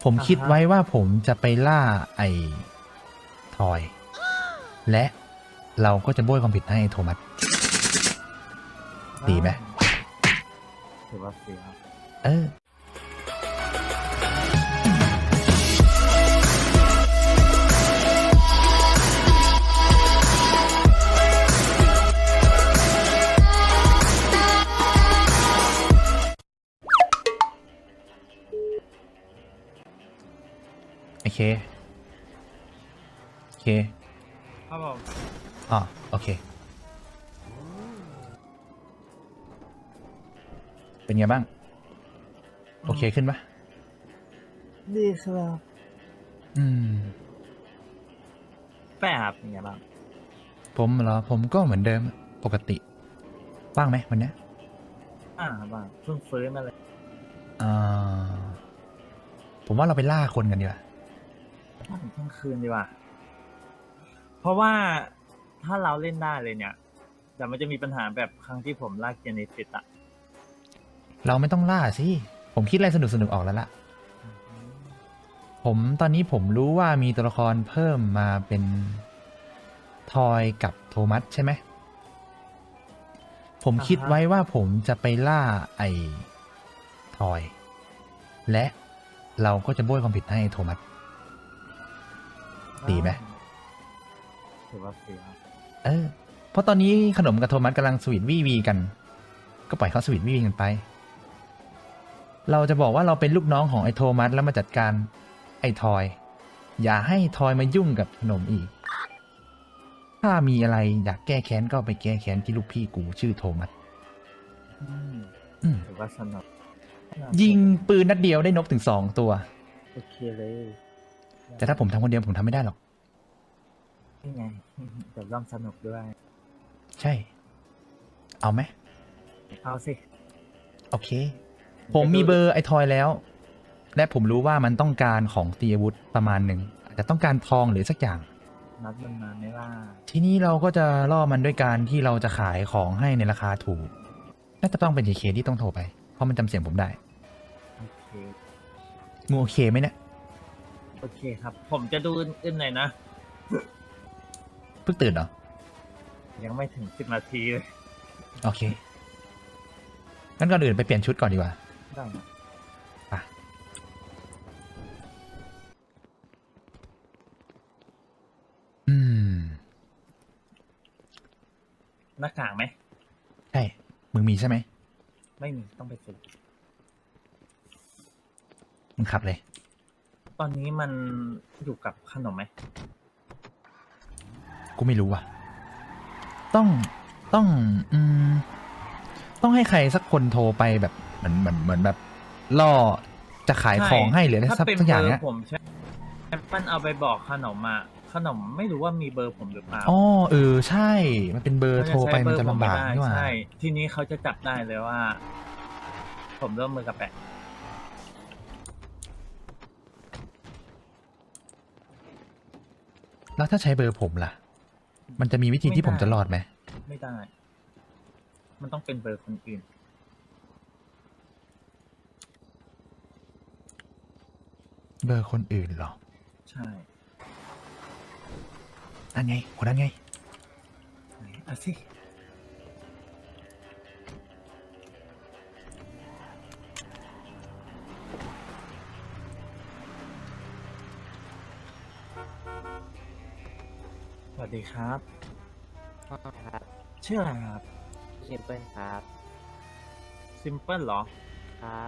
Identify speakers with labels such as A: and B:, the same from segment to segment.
A: ผม
B: อ่า
A: คิด
B: ฮะ
A: ไว้ว่าผมจะไปล่าไอ้ทอย และเราก็จะโบยความผิดให้โทมัสดีไหม
B: ถือว่าเสียครับ
A: เออโอเคโอเค
B: ครับผม
A: อ๋อโอเคเป็นไงบ้างโอเคขึ้นปะ
B: ดีครับ
A: อืม
B: แป้ครับเป็นไงบ้าง
A: ผมเหรอผมก็เหมือนเดิมปกติว่างไหมวันเนี้ย
B: บ้างเพิ่งฟื้นมาเลย
A: อ่าผมว่าเราไปล่าคนกันดีกว่า
B: ถ้าถึงเที่ยงคืนดีกว่าเพราะว่าถ้าเราเล่นได้เลยเนี่ยเดี๋ยวมันจะมีปัญหาแบบครั้งที่ผมลากเกียร์ในฟิตอะ
A: เราไม่ต้องล่าสิผมคิดอะไรสนุกสนุกออกแล้วล่ะผมตอนนี้ผมรู้ว่ามีตัวละครเพิ่มมาเป็นทอยกับโทมัสใช่ไหมผมคิดไว้ว่าผมจะไปล่าไอ้ทอย และเราก็จะโบยความผิดให้โทมัสดีไหม
B: ถือว่าเสียครับ
A: เออเพราะตอนนี้ขนมกับโทมัสกำลังสวีทวี่วีกัน ก็ปล่อยเขาสวีทวี่วีกันไป เราจะบอกว่าเราเป็นลูกน้องของไอ้โทมัสแล้วมาจัดการไอ้ทอย อย่าให้ทอยมายุ่งกับขนมอีก ถ้ามีอะไรอยากแก้แค้นก็ไปแก้แค้นที่ลูกพี่กูชื่อโทมัส
B: อืม
A: อืม
B: ถือว่าสนุก
A: ยิงปืนนัดเดียวได้นกถึง2 ตัว
B: โอเคเลย
A: แต่ถ้าผมทำคนเดียวผมทำไม่ได้หรอก
B: นี่ไงเดี๋ยวร่วมสนุกด้วย
A: ใช่ เอาไหม
B: เอาสิ
A: โอเค ผมมีเบอร์ไอ้ทอยแล้ว และผมรู้ว่ามันต้องการของตีอาวุธประมาณหนึ่งอาจจะต้องการทองหรือสักอย่าง
B: นัดมันมาไม่ว่า
A: ทีนี้เราก็จะล่อมันด้วยการที่เราจะขายของให้ในราคาถูก น่าจะต้องเป็น JK ที่ต้องโทรไป เพราะมันจำเสียงผมได้
B: โอเค
A: มึงโอเคไหมเนี่ย
B: โอเคครับ ผมจะดูอื่นๆหน่อยนะ
A: เพิ่งตื่นเหรอ
B: ยังไม่ถึง10 นาทีเลย
A: โอเค งั้นก่อนอื่นไปเปลี่ยนชุดก่อนดีกว่า
B: ได้ครับ
A: ไปอืม
B: หน้ากากไหม
A: ใช่ มึงมีใช่ไหม
B: ไม่มีต้องไปซื้อ
A: มึงขับเลย
B: ตอนนี้มันอยู่กับขนมไหม
A: กูไม่รู้ว่ะ ต้อง ต้อง อืม ต้องให้ใครสักคนโทรไปแบบเหมือนแบบล่อจะขายของให้หรืออะไร
B: ถ้า
A: สัก
B: เป็น
A: สัก
B: เบ
A: อย่าง
B: อ
A: เนี้ย
B: ร์ผมใช่มันเอาไปบอกขนมอ่ะขนมไม่รู้ว่ามีเบอร์ผมหรือเปล่า
A: อ๋อเออใช่ มันเป็นเบอร์โทรไปมันจะลำบาก
B: ไม่
A: นี่หว่า
B: ใช่ ทีนี้เขาจะจับได้เลยว่า ผมร่วมมือกับแปะ
A: แล้วถ้าใช้เบอร์ผมล่ะ มันจะมีวิธีที่ผมจะรอดไหม
B: ไม่ได้ มันต้องเป็นเบอร์คนอื่น
A: เบอร์คนอื่นเหรอ
B: ใช่
A: นั่นไงคนนั้นไง
B: ไหนอ่ะสิสวัสดีครับ
C: ครับ
B: ชื่ออะไรครับ
C: ซิมเปิลครับ
B: ซิมเปิลเหรอ
C: ครับ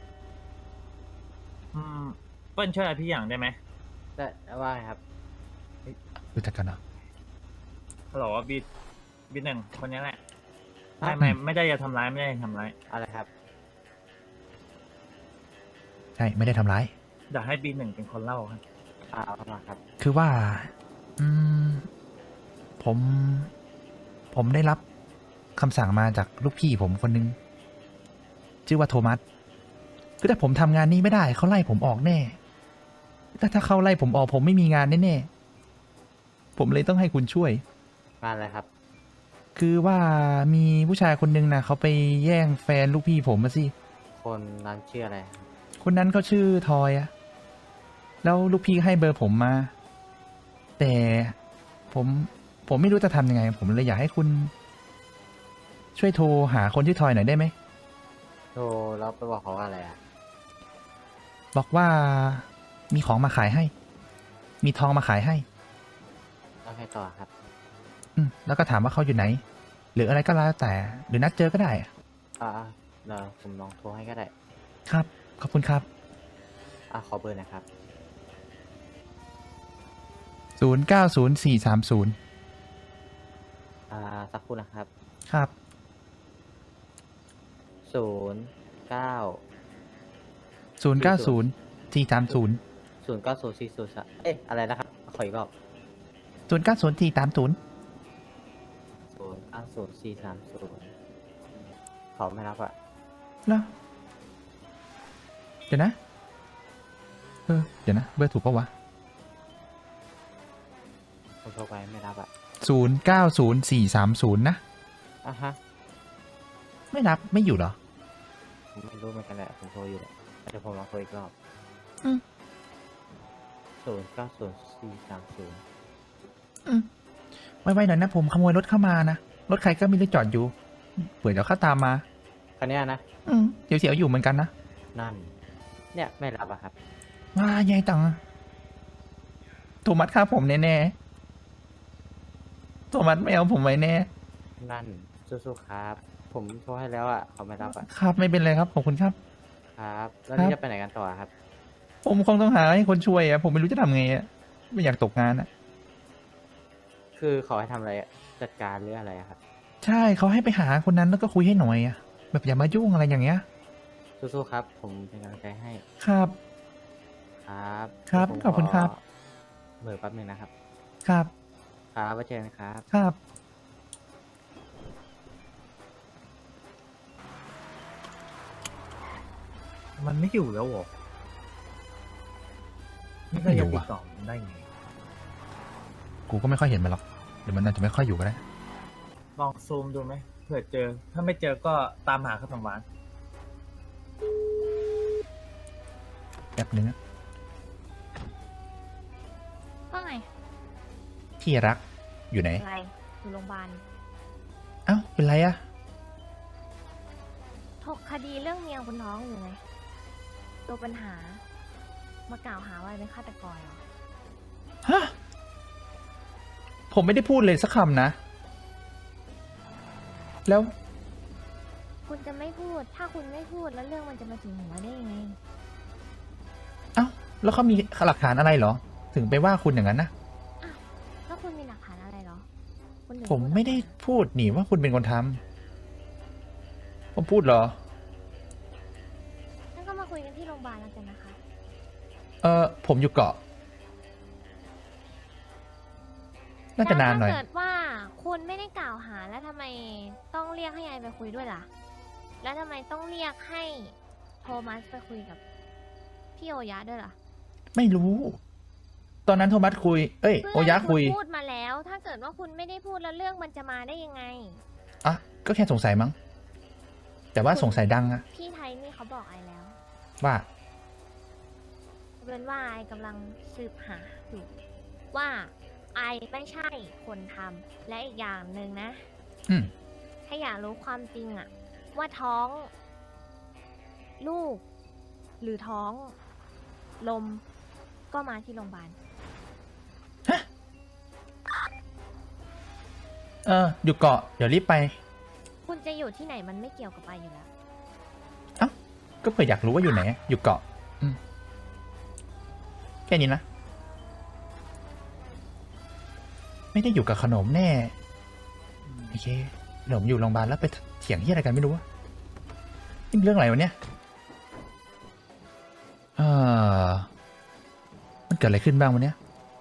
B: เปิ้ลช่วยอะไรพี่อย่างได้ไหม
C: ได้ว่าไงครับ
A: รู้จักกันเหรอ
B: ฮัลโหลบีหนึ่งคนนี้แหละ
C: ครั
B: ไม่
C: บ
B: ไม่ได้จะทำร้ายไม่ได้จะทำร้าย
C: อะไรครับ
A: ใช่ ไม่ได้ทำร้าย
B: เดี๋ยวให้บีหนึ่งเป็นคนเล่าครับ
C: เอาเข้ามาครับ
A: คือว่า อืม ผม ผมได้รับคำสั่งมาจากลูกพี่ผมคนนึง ชื่อว่าโทมัส คือถ้าผมทำงานนี้ไม่ได้ เขาไล่ผมออกแน่ ถ้าเขาไล่ผมออกผมไม่มีงานแน่ๆ ผมเลยต้องให้คุณช่วย
C: งานอะไรครับ
A: คือว่ามีผู้ชายคนนึงนะเขาไปแย่งแฟนลูกพี่ผมมาสิ
C: คนนั้นชื่ออะไรครับ
A: คนนั้นเขาชื่อทอยอะแล้วลูกพี่ให้เบอร์ผมมา แต่ผมไม่รู้จะทำยังไง ผมเลยอยากให้คุณ ช่วยโทรหาคนที่ทอยหน่อยได้ไหม
C: โทรแล้วไปบอกเขาว่าอะไรอ่ะ
A: บอกว่ามีของมาขายให้ มีทองมาขายให้
C: แล้วให้ต่อครับ
A: แล้วก็ถามว่าเขาอยู่ไหน หรืออะไรก็แล้วแต่ หรือนัดเจอก็ได้
C: อ่าเดี๋ยวผมลองโทรให้ก็ได้
A: ครับ ขอบคุณครับ
C: ขอเบอร์นะครับ
A: 090430
C: สักครู่นะครับ
A: ครับ
C: 09
A: 090430
C: 090403อะไรนะครับ ขออีกรอบ
A: 090430
C: 090430เขาไม่รับอ่ะ
A: เหรอเดี๋ยวนะ เดี๋ยวนะ เบอร์ถูกปะวะ
C: ผมโทรไปไม่รับอ่ะ
A: 090430 นะ
C: ฮะ
A: ไม่รับ ไม่อยู่เหรอ
C: ผมไม่รู้เหมือนกันแหละ ผมโทรอยู่แหละเดี๋ยวผมลองโทรอีกรอบ
A: อืม
C: 090430
A: ไวๆหน่อยนะ ผมขโมยรถเข้ามานะ รถใครก็ไม่รู้จอดอยู่ เผื่อเดี๋ยวเขาตามมา
C: คันเนี้ยนะ
A: เดี๋ยวเสียวอยู่เหมือนกันนะ
C: นั่น เนี่ยไม่รับอะครับ
A: ว้ายายตังโทมัสฆ่าผมแน่ๆโทมัสไม่เอาผมไว้แน่
C: นั่นสู้ๆครับ ผมโทรให้แล้วอ่ะเขาไม่รับอ่ะ
A: ครับไม่เป็นไรครับ ขอบคุณครับ
C: ครับ แล้ว
A: ครั
C: นี่
A: บ
C: จะไปไหนกันต่อครับ
A: ผมคงต้องหาให้คนช่วยอะผมไม่รู้จะทำไงอะไม่อยากตกงานอะ
C: คือเขาให้ทำอะไรอะจัดการหรืออะไรอะครับ
A: ใช่เขาให้ไปหาคนนั้นแล้วก็คุยให้หน่อยอะแบบอย่ามายุ่งอะไรอย่างเงี้ย
C: สู้ๆครับ ผมเป็นกำลังใจให้
A: ครับ
C: ครับ
A: ครับ
C: ผม
A: ขอบคุณครับ
C: เบอร์แป๊บหนึงนะครับ
A: ครับ
C: ครับไว้เจอกันครับ
A: ครับ
B: มันไม่อยู่แล้วเหรอนี่ก็ยังติดต่อมันได้ไง
A: กูก็ไม่ค่อยเห็นมันหรอกหรือมันอาจจะไม่ค่อยอยู่ก็ได้
B: ลองซูมดูไหมเผื่อเจอ ถ้าไม่เจอก็ตามหาขนมหวาน
A: แป๊บนึงนะ
D: ว่าไง
A: ที่รักอยู่ไหน
D: อะไรอยู่โรงพยาบาล
A: เอ้าเป็นไรอะ
D: ถกคดีเรื่องเมียคุณท้องอยู่ไง ตัวปัญหา มากล่าวหาว่าเป็นฆาตกรเหรอ
A: ฮะผมไม่ได้พูดเลยสักคำนะ แล้ว
D: คุณจะไม่พูด ถ้าคุณไม่พูดแล้วเรื่องมันจะมาถึงหัวได้ยังไง
A: เอ้าแล้วเขามีหลักฐานอะไรเหรอ ถึงไปว่าคุณอย่างนั้นนะ
D: อ้าวแล้วคุณมีหลักฐานอะไรเหรอคุณถึง
A: ผม
D: พูออกา
A: ไม่ได้พูดนี่ว่าคุณเป็นคนทำผมพูดเหรอ
D: งั้นก็มาคุยกันที่โรงพยาบาลแล้วกันนะคะ
A: ผมอยู่เกาะ น่าจะนานหน่อย
D: แล้วถ้าเกิดว่าคุณไม่ได้กล่าวหาแล้วทำไมต้องเรียกให้ยายไปคุยด้วยล่ะ แล้วทำไมต้องเรียกให้โทมัสไปคุยกับพี่โอยะด้วยล่ะ
A: ไม่รู้ ตอนนั้นโทมัสคุย เอ้ย โอยะคุย
D: ณพูดมาแล้ว ถ้าเกิดว่าคุณไม่ได้พูดแล้วเรื่องมันจะมาได้ยังไง
A: อ่ะ ก็แค่สงสัยมั้ง แต่ว่าสงสัยดังอะ
D: พี่ไทยนี่เขาบอกไอแล้ว
A: ว่า
D: เป็นว่าไอกำลังสืบหาอยู่ว่าไอไม่ใช่คนทำและอีกอย่างหนึ่งนะ
A: อืม
D: ถ้าอยากรู้ความจริงอะว่าท้องลูก หรือท้องลมก็มาที่โรงพยาบาล
A: อยู่เกาะ เดี๋ยวรีบไป
D: คุณจะอยู่ที่ไหนมันไม่เกี่ยวกับไออยู่แล้ว
A: ก็เผื่ออยากรู้ว่าอยู่ไหน อยู่เกาะ แค่นี้นะ ไม่ได้อยู่กับขนมแน่ โอเคขนมอยู่โรงพยาบาลแล้วไปเถียงที่อะไรกันไม่รู้วะนี่เรื่องอะไรวะเนี่ยมันเกิดอะไรขึ้นบ้างวันเนี้ย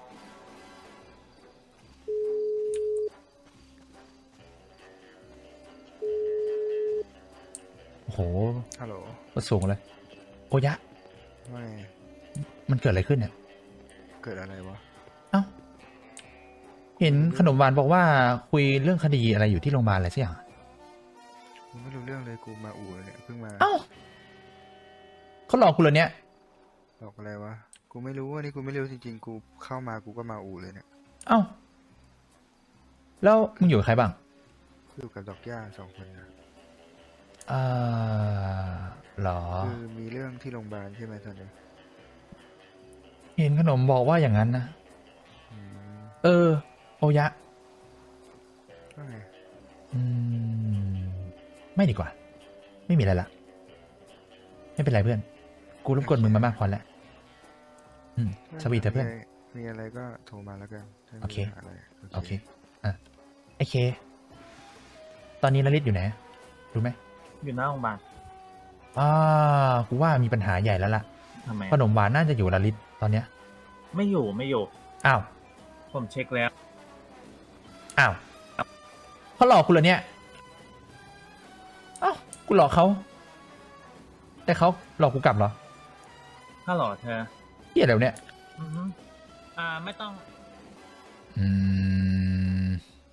A: โอ้โห
E: ฮัลโหล
A: ก็สูงเลย โอยะ
E: ไม่
A: มันเกิดอะไรขึ้นเนี่ย
E: เกิดอะไรวะ
A: เอ้า เห็นขนมหวานบอกว่าคุยเรื่องคดีอะไรอยู่ที่โรงพยาบาลอะไรสักอย่าง
E: กูไม่รู้เรื่องเลยกูมาอู่เลยเนี่ยเพิ่งมา
A: เอ้าเขาหลอกคุณเหรอเนี่ย
E: บอกอะไรวะกูไม่รู้อันนี้กูไม่รู้จริงๆ กูเข้ามากูก็มาอู่เลยเนี่ย
A: เอ้า แล้วมึงอยู่กับใครบ้าง
E: อยู่กับดอกย่า2 คนนะ
A: อ่าเหรอ
E: คือมีเรื่องที่โรงพยาบาลใช่ไหมตอนนี้
A: เห็นขนมบอกว่าอย่างนั้นนะ
E: อืม
A: เออ โอยะ
E: ว่าไง
A: อืม ไม่ดีกว่า ไม่มีอะไรละ ไม่เป็นไรเพื่อน กูรบกวนมึงมามากพอแล้ว สวีทเถอะเพื่อน
E: มีอะไรก็โทรมาแล้วกันถ้ามี
A: โอเค
E: ปัญหาอะไร
A: โอเค อ่ะ ไอเค ตอนนี้ลลิตอยู่ไหน รู้ไหม
B: อยู่หน้าโรงพยาบาล
A: กูว่ามีปัญหาใหญ่แล้วล่ะ
B: ทำไม
A: ขนมหวานน่าจะอยู่ลลิตตอนเนี้ย
B: ไม่อยู่ไม่อยู่
A: อ้าว
B: ผมเช็คแล้ว
A: อ้าวเขาหลอกกูเหรอเนี่ย อ้าว กูหลอกเขา แต่เขาหลอกกูกลับเหรอ
B: ถ้าหล่อเธอ
A: เหี้ยอะไรวะเนี่ย
B: อือฮึไม่ต้อง
A: อืม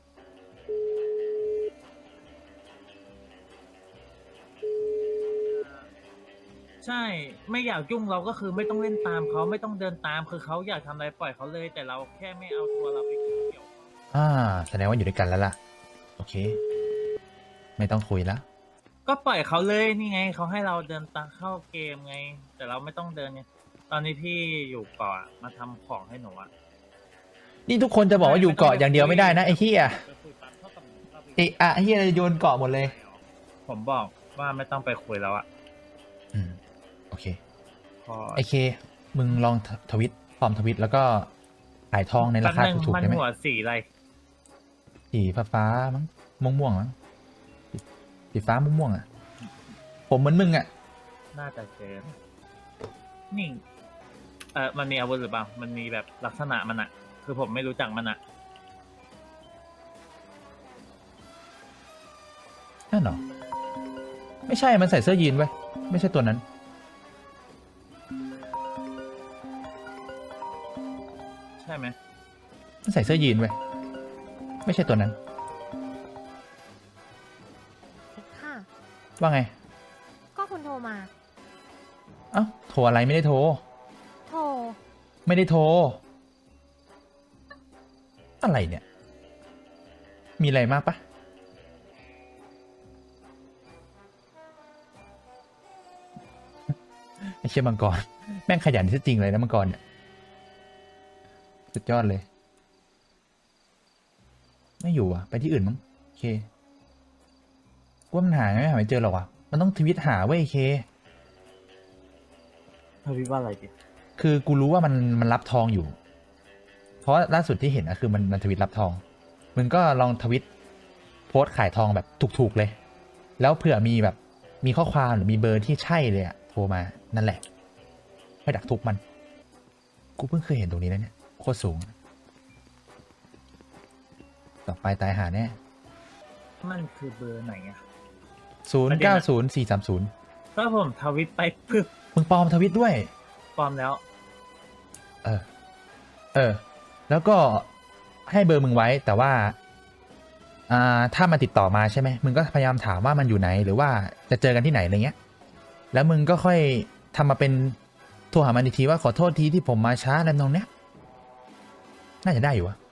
B: ใช่ ไม่อยากยุ่งเราก็คือไม่ต้องเล่นตามเขาไม่ต้องเดินตามคือเขาอยากทำอะไรปล่อยเขาเลย แต่เราแค่ไม่เอาตัวเราไปเกี่ยว
A: แสดงว่าอยู่ด้วยกันแล้วล่ะ โอเค ไม่ต้องคุยแล้ว
B: ก็ปล่อยเขาเลยนี่ไงเขาให้เราเดินตามเข้าเกมไง แต่เราไม่ต้องเดินไงตอนนี้พี่อยู่เกาะอะมาทำของให้หนูอะ
A: นี่ทุกคนจะบอกว่าอยู่เกาะอย่างเดียวไม่ได้นะไอ้เหี้ย
B: ไปคุยปั๊บเท่ากับหนูเข้าไป
A: ไอ้อะไอ้เหี้ยโยนเกาะหมดเลย
B: ผมบอกว่าไม่ต้องไปคุยแล้วอะ
A: โอเค
B: พอ
A: ไอเค มึงลองทวิตปลอมทวิตแล้วก็ขายทองในราคา
B: แป๊บนึง
A: ถูกๆ
B: มัน
A: ได้ไหม
B: หัวสีอะไร
A: สีฟ้าๆมั้งม่วงๆมั้งสีฟ้าม่วงๆอ่ะ ผมเหมือนมึงอ่ะ
B: น่าจะเจอนี่มันมีอาวุธหรือเปล่า มันมีแบบลักษณะมันอะคือผมไม่รู้จักมันอะ
A: นั่นเหรอ ไม่ใช่ มันใส่เสื้อยีนไว้ยไม่ใช่ตัวนั้น
B: ใช่ไหม
A: มันใส่เสื้อยีนไว้ยไม่ใช่ตัวนั้น
D: ค่ะ
A: ว่าไง
D: ก็คุณโทรมา
A: เอ้า โทรอะไรไม่ได้โทร
D: โทร
A: ไม่ได้โทร อะไรเนี่ย มีอะไรมากปะไอ้เชี่ยมังกร แม่งขยันที่จริงเลยนะมังกรเนี่ย สุดยอดเลย ไม่อยู่อ่ะ ไปที่อื่นมั้งโอเคกูว่ามันหาไม่เจอหรอกว่ะ มันต้องทวิตหาเว้ยเค
B: ทวิตว่าอะไรดิ
A: คือกูรู้ว่ามันรับทองอยู่ เพราะล่าสุดที่เห็นอะคือมันทวิตรับทอง มึงก็ลองทวิตโพสต์ขายทองแบบถูกๆเลย แล้วเผื่อมีแบบมีข้อความหรือมีเบอร์ที่ใช่เลยอะโทรมานั่นแหละไม่ดักทุกมัน กูเพิ่งเคยเห็นตรงนี้นะเนี่ยโคตรสูง ต่อไปตายหาแน่
B: มันคือเบอร์ไหนอะ
A: 090430
B: ถ้าผมทวิตไปปึ๊บ
A: มึงปลอมทวิตด้วย
B: ปลอมแล้ว
A: แล้วก็ให้เบอร์มึงไว้ แต่ว่าถ้ามันติดต่อมาใช่ไหมมึงก็พยายามถามว่ามันอยู่ไหน หรือว่าจะเจอกันที่ไหนอะไรเงี้ย แล้วมึงก็ค่อยทำมาเป็นโทรหามันอีกทีว่าขอโทษทีที่ผมมาช้าอะไรตรงเนี้ยน่าจะได้อยู่วะ